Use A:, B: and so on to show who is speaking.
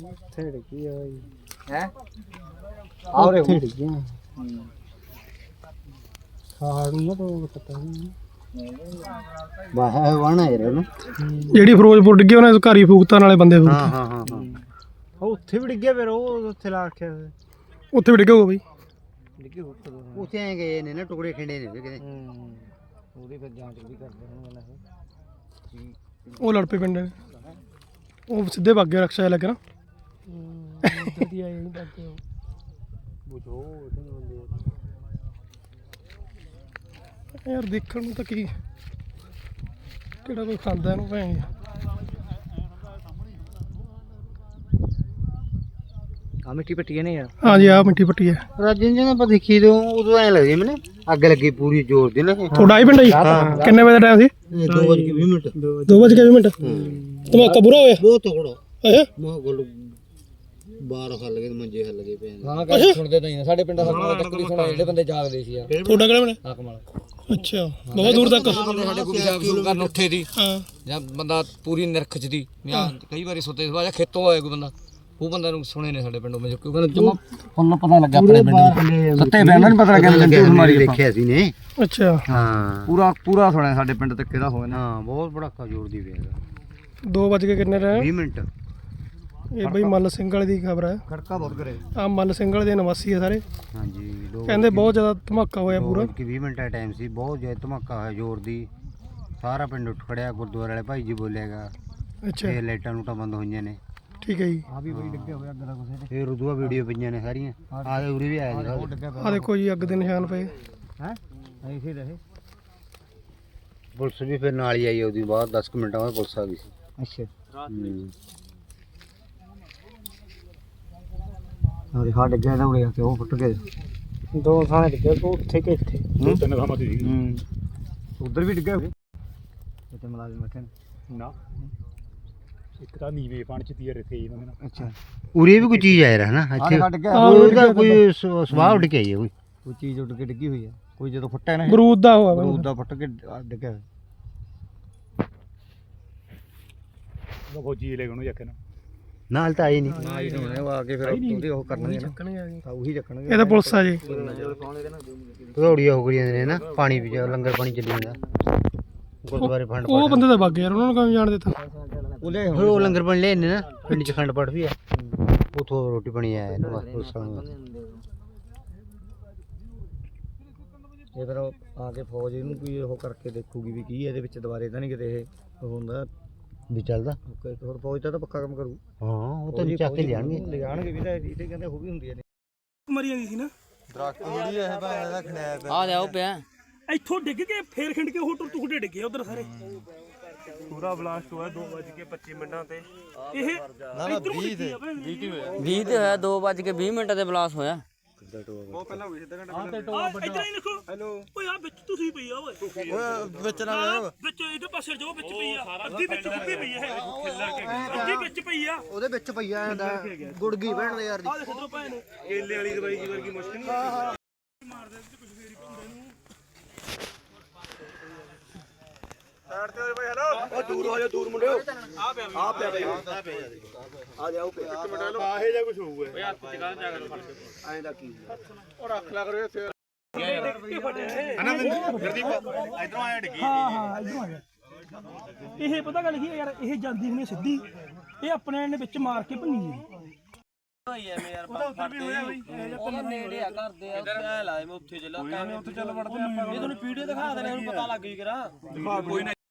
A: ਡਿੱਗੀ ਆ ਬਾਈ
B: ਹੈ
A: ਆਉਰੇ ਡਿੱਗੀਆਂ ਖਾੜ ਨੂੰ ਤਾਂ ਪਤਾ ਨਹੀਂ ਬਾਹਰ ਵਣਾ ਹੈ ਨਾ
C: ਜਿਹੜੀ ਫਿਰੋਜ਼ਪੁਰ ਡਿੱਗੀ ਉਹਨੇ ਘਰ ਹੀ ਫੂਕਤਾ ਨਾਲੇ ਬੰਦੇ ਫੂਕ
A: ਹਾਂ ਹਾਂ ਹਾਂ ਉਹ ਉੱਥੇ ਵੀ ਡਿੱਗਿਆ ਫਿਰ ਉਹ ਉੱਥੇ ਲਾ ਰੱਖਿਆ
C: ਉੱਥੇ ਵੀ ਡਿੱਗਾ ਹੋਊ ਬਈ
A: ਡਿੱਗੇ ਉੱਥੇ ਐ ਗਏ ਨੇ ਨਾ ਟੁਕੜੇ ਖਿੰਡੇ ਨੇ ਕਿਤੇ ਉਹਦੀ ਫਿਰ ਜਾਂਚ ਵੀ ਕਰਦੇ ਹੋਣਗੇ ਨਾ
C: ਉਹ ਲੜ ਪਏ ਪਿੰਡ ਨੇ ਉਹ ਸਿੱਧੇ ਭੱਗ ਗਏ ਰਕਸ਼ਾ ਲੈ ਕੇ ਨਾ
A: ਵਧੀਆ ਇਹ ਨਹੀਂ ਬਾਕੀ ਬੁਝੋ ਉਹਦੇ ਬੰਦੇ
C: ਯਾਰ ਦੇਖਣ ਨੂੰ ਤਾਂ ਕੀ ਕਿਹੜਾ ਕੋਈ ਖਾਂਦਾ ਇਹਨੂੰ ਭੈਣ
A: ਆ ਮਿੱਟੀ ਪੱਟੀਆਂ ਨੇ ਯਾਰ
C: ਹਾਂਜੀ ਆ ਮਿੱਟੀ ਪੱਟੀ ਹੈ
A: ਰਾਜਨ ਜੀ ਨੇ ਆਪਾਂ ਦੇਖੀ ਦੋ ਉਦੋਂ ਐ ਲੱਗਦੀ ਮੈਨੂੰ ਅੱਗ ਲੱਗੀ ਪੂਰੀ ਜ਼ੋਰ ਦੀ ਨਾ
C: ਤੁਹਾਡਾ ਹੀ ਪਿੰਡ ਹੈ ਕਿੰਨੇ ਵਜੇ ਦਾ ਟਾਈਮ ਸੀ
A: 2:20 ਮਿੰਟ
C: 2:20 ਧਮਾਕਾ ਬੁਰਾ ਹੋਇਆ
A: ਬਹੁਤ ਤਕੜਾ
C: ਅੱਛਾ
A: ਮਾ ਗੋਲ ਬਾਹਰ ਹੱਲ ਗਏ ਮੰਜੇ ਹੱਲ ਗਏ ਪਏ
B: ਹਾਂ ਗੱਲ ਸੁਣਦੇ ਨਹੀਂ ਸਾਡੇ ਪਿੰਡ ਦਾ ਟੱਕਰੀ ਸੁਣਾ ਜਿਹੜੇ ਬੰਦੇ ਜਾਗਦੇ ਸੀ ਯਾਰ
C: ਤੁਹਾਡਾ ਕਿਹੜਾ ਪਿੰਡ
B: ਹਾਕਮਾਲ
C: ਅੱਛਾ ਬਹੁਤ ਦੂਰ ਤੱਕ
B: ਬੰਦੇ ਸਾਡੇ ਕੋਈ ਜਾਗ ਸ਼ੁਰੂ ਕਰਨ ਉੱਥੇ ਦੀ
C: ਹਾਂ
B: ਜਾਂ ਬੰਦਾ ਪੂਰੀ ਨਿਰਖ ਚ ਦੀ ਜਾਂ ਕਈ ਵਾਰੀ ਸੁੱਤੇ ਸਵਾ ਜਾਂ ਖੇਤੋਂ ਆਏ ਕੋਈ ਬੰਦਾ ਉਹ ਬੰਦਾ ਨੂੰ ਸੁਣੇ ਨੇ ਸਾਡੇ ਪਿੰਡੋਂ ਮੈਂ ਕਿਉਂਕਿ ਜਮਾ ਫੁੱਲ ਪਤਾ ਲੱਗਾ ਆਪਣੇ ਪਿੰਡ ਸੱਤੇ ਪੈਣਾ ਨਹੀਂ ਪਤਾ ਲੱਗਿਆ ਮਾਰੀ
A: ਦੇਖਿਆ ਸੀ ਨੇ
C: ਅੱਛਾ
A: ਹਾਂ
B: ਪੂਰਾ ਸੁਣਿਆ ਸਾਡੇ ਪਿੰਡ ਤੱਕ ਕਿਹੜਾ ਹੋਇਆ ਨਾ
A: ਹਾਂ ਬਹੁਤ ਬੜਾਕਾ ਜ਼ੋਰ ਦੀ ਵੇਗਾ
C: 2 ਵਜ ਕੇ ਕਿੰਨੇ ਰਹੇ
A: 20 ਮਿੰਟ
C: ਇਹ ਬਈ ਮੱਲ ਸਿੰਘ ਵਾਲੇ ਦੀ ਖਬਰ ਹੈ
B: ਖੜਕਾ ਬਹੁਤ ਕਰੇ
C: ਆ ਮੱਲ ਸਿੰਘ ਵਾਲੇ ਦੇ ਨਿਵਾਸੀ ਆ ਸਾਰੇ
A: ਹਾਂਜੀ
C: ਕਹਿੰਦੇ ਬਹੁਤ ਜ਼ਿਆਦਾ ਧਮਾਕਾ ਹੋਇਆ ਪੂਰਾ
A: ਕਿ 20 ਮਿੰਟ ਦਾ ਟਾਈਮ ਸੀ ਬਹੁਤ ਜ਼ਿਆਦਾ ਧਮਾਕਾ ਹੋਇਆ ਜ਼ੋਰ ਦੀ ਸਾਰਾ ਪਿੰਡ ਉੱਠ ਖੜਿਆ ਗੁਰਦੁਆਰੇ ਵਾਲੇ ਭਾਈ ਜੀ ਬੋਲੇਗਾ
C: ਅੱਛਾ
A: ਇਹ ਲਾਈਟਾਂ ਲੂਟਾਂ ਬੰਦ ਹੋਈਆਂ ਨੇ
C: ਠੀਕ ਹੈ ਜੀ
B: ਆ ਵੀ ਬਈ ਡਿੱਗੇ ਹੋਇਆ ਅੱਗ ਦਾ ਕੁਛ
A: ਫਿਰ ਉਦੋਂ ਵੀਡੀਓ ਪਈਆਂ ਨੇ ਸਾਰੀਆਂ ਆਹ ਉਰੇ ਵੀ ਆਇਆ ਜੀ
C: ਆ ਦੇਖੋ ਜੀ ਅੱਗ ਦੇ ਨਿਸ਼ਾਨ ਪਏ
A: ਹੈ
B: ਐਸੇ ਰਹੇ
A: ਪੁਲਿਸ ਵੀ ਫਿਰ ਨਾਲ ਹੀ ਆਈ ਉਹਦੀ ਬਾਅਦ 10 ਮਿੰਟਾਂ ਬਾਅਦ ਪੁਲਿਸ ਆ ਗਈ ਸੀ
B: ਅੱਛਾ
A: ਹਾਂ
B: ਹਾਂ ਡਿੱਗਿਆ ਨਾ ਉਰੇ ਤੇ ਉਹ ਫੁੱਟ ਗਏ
C: 2 ਥਾਂ ਡਿੱਗੇ ਉੱਥੇ ਕਿ ਇੱਥੇ
B: ਤਿੰਨ ਥਾਵਾਂ ਤੇ ਸੀ ਉਧਰ ਵੀ ਡਿੱਗਿਆ ਇੱਥੇ ਮੁਲਾਜ਼ਮ ਬੈਠੇ ਨੇ ਨਾ ਇੱਕ ਤਾਂ ਨੀਵੇਂ ਪਾਣੀ ਚ ਤੀਰ ਇੱਥੇ ਇਹਨਾਂ ਦੇ
A: ਅੱਛਾ ਉਰੇ ਵੀ ਕੋਈ ਚੀਜ਼ ਆਇਆ ਹੈ ਨਾ ਇੱਥੇ ਉਹਦਾ ਕੋਈ ਸੁਭਾਅ ਉੱਡ ਕੇ ਆਈ ਹੈ
B: ਕੋਈ ਚੀਜ਼ ਉੱਡ ਕੇ ਡਿੱਗੀ ਹੋਈ ਆ ਕੋਈ ਜਦੋਂ ਫੁੱਟਿਆ ਨਾ
C: ਬਰੂਦ ਦਾ ਹੋਇਆ
B: ਬਰੂਦ ਦਾ ਫੁੱਟ ਕੇ ਡਿੱਗਿਆ ਉਹ ਫੌਜੀ ਲੈ ਗਏ ਉਹਨੂੰ ਚੱਕ
A: ਨਾਲ ਤਾਂ ਆਈ ਨਹੀਂ
B: ਨਾ ਹੀ ਹੋਣੇ ਉਹ ਆ ਕੇ ਫਿਰ ਉਹਦੇ ਉਹ ਕਰਨਗੇ ਨਾ ਉਹੀ ਚੱਕਣਗੇ
C: ਇਹ ਤਾਂ ਪੁਲਿਸ ਆ ਜੀ
A: ਭਗੌੜੀ ਹੋ ਗਈਆਂ ਨੇ ਨਾ ਪਾਣੀ ਵੀ ਲੰਗਰ ਪਾਣੀ ਚੱਲੀ ਜਾਂਦਾ ਗੁਰਦੁਆਰੇ ਫੰਡ
C: ਉਹ ਬੰਦੇ ਤਾਂ ਵਗ ਗਏ ਯਾਰ ਉਹਨਾਂ ਨੂੰ ਕਿਵੇਂ ਜਾਣ ਦਿੱਤਾ
A: ਉਹ ਲੰਗਰ ਪਾਣੀ ਲੈ ਨੇ ਨਾ ਪਿੰਡ ਚ ਖੰਡ ਪਾਠ ਵੀ ਆ ਉਥੋਂ ਰੋਟੀ ਪਾਣੀ ਆਇਆ ਨਾ ਪੁਲਿਸ ਵਾਲਿਆਂ
B: ਇਹ ਫਿਰ ਆ ਕੇ ਫੌਜ ਇਹਨੂੰ ਕੋਈ ਉਹ ਕਰਕੇ ਦੇਖੂਗੀ ਵੀ ਕੀ ਇਹਦੇ ਵਿੱਚ ਦੁਬਾਰੇ ਤਾਂ ਨਹੀਂ ਕਿਤੇ ਇਹ ਹੁੰਦਾ
A: ਵੀ ਚੱਲਦਾ
B: ਇੱਕ ਹੋਰ ਫੌਜ ਤਾਂ ਪੱਕਾ ਕੰਮ ਕਰੂ
A: ਹਾਂ ਉਹ ਤਾਂ ਚੱਕ ਕੇ
B: ਲਿਜਾਣਗੇ ਵੀ ਤਾਂ ਇਹ ਕਹਿੰਦੇ ਉਹ ਵੀ ਹੁੰਦੀਆਂ ਨੇ
C: ਮਰੀ ਜਾਂਦੀ ਸੀ ਨਾ
D: ਦਰਖਤ ਜਿਹੜੀ ਇਹ ਭਾਂ ਦਾ ਖਣਿਆ
B: ਆ ਜਾ ਉਹ ਪਿਆ
C: ਇੱਥੋਂ ਡਿੱਗ ਕੇ ਫੇਰ ਖਿੰਡ ਕੇ ਉਹ ਟੁੱਟੇ ਡਿੱਗੇ ਉਧਰ ਸਾਰੇ
D: ਪੂਰਾ ਬਲਾਸਟ ਹੋਇਆ 2:25 ਤੇ
C: ਇਹ
D: ਨਾ 20 ਤੇ 20 ਹੋਇਆ
B: 20 ਤੇ ਹੋਇਆ 2:20 ਤੇ ਬਲਾਸ ਹੋਇਆ
D: ਉਹ ਪਹਿਲਾਂ ਹੋਈ ਸਿੱਧਾ ਘੰਟਾ
C: ਇੱਧਰ ਹੀ ਦੇਖੋ
D: ਹੈਲੋ
C: ਓਏ ਆ ਵਿੱਚ ਤੁਸੀਂ ਪਈ ਆ ਓਏ
D: ਓਏ ਵਿੱਚ ਨਾ
C: ਵਿੱਚ ਇਹਦੇ ਪਾਸੇ ਜੋ ਵਿੱਚ ਪਈ ਆ ਅੱਧੀ ਵਿੱਚ ਡੁੱਬੀ ਪਈ ਆ ਇਹ ਅੱਧੀ ਵਿੱਚ ਪਈ ਆ
A: ਉਹਦੇ ਵਿੱਚ ਪਈਆ ਹੁੰਦਾ ਗੁੜਗੀ ਭੈਣ ਦੇ ਯਾਰ
C: ਆ ਦੇਖ ਇਧਰੋਂ ਭੈਣ
D: ਕੇਲੇ ਵਾਲੀ ਦਵਾਈ ਦੀ ਵਰਗੀ ਮੁਸ਼ਕਿਲ ਨਹੀਂ
C: ਮਾਰਦੇ ਤੇ ਕੁਝ ਫੇਰ ਹੀ ਪਾਉਂਦੇ ਨੂੰ
D: ਸਾਈਡ ਤੇ ਹੋਏ ਭਾਈ ਹੈਲੋ ਉਹ ਦੂਰ ਹੋ ਜਾ ਦੂਰ ਮੁੰਡਿਓ ਆ ਪਿਆ ਬਈ ਆ ਜਾਓ ਪਿਆ ਇੱਕ ਮਿੰਟ ਆਹੇ ਜਾਂ ਕੁਝ ਹੋਊਗਾ ਓਏ ਹੱਥ ਚ ਕਾਹਨ ਜਾਗਰ ਫੜ ਕੇ ਐਂ ਦਾ ਕੀ ਉਹ ਰੱਖ ਲਿਆ ਕਰੋ ਇੱਥੇ ਹਨਾ ਗੁਰਦੀਪ ਇਧਰੋਂ ਆਇਆ ਡਿੱਗੀ
C: ਹਾਂ ਇਧਰੋਂ ਆ ਗਿਆ ਇਹ ਪਤਾ ਗੱਲ ਕੀ ਹੈ ਯਾਰ ਇਹ ਜਾਂਦੀ ਹੁਣੇ ਸਿੱਧੀ ਇਹ ਆਪਣੇ ਨੇ ਵਿੱਚ ਮਾਰ ਕੇ ਭੰਨੀ ਹੈ
D: ਹੋਈ ਐ ਯਾਰ ਉਹ ਨੇੜੇ ਆ ਕਰਦੇ ਆ ਉੱਥੇ ਲਾਏ ਮੈਂ ਉੱਥੇ ਚੱਲ ਵੜਦੇ ਆਪਾਂ ਇਹ ਤੁਹਾਨੂੰ ਵੀਡੀਓ ਦਿਖਾ ਦੇਣੇ ਉਹਨੂੰ ਪਤਾ ਲੱਗ ਗਈ ਕਰਾ ਕੋਈ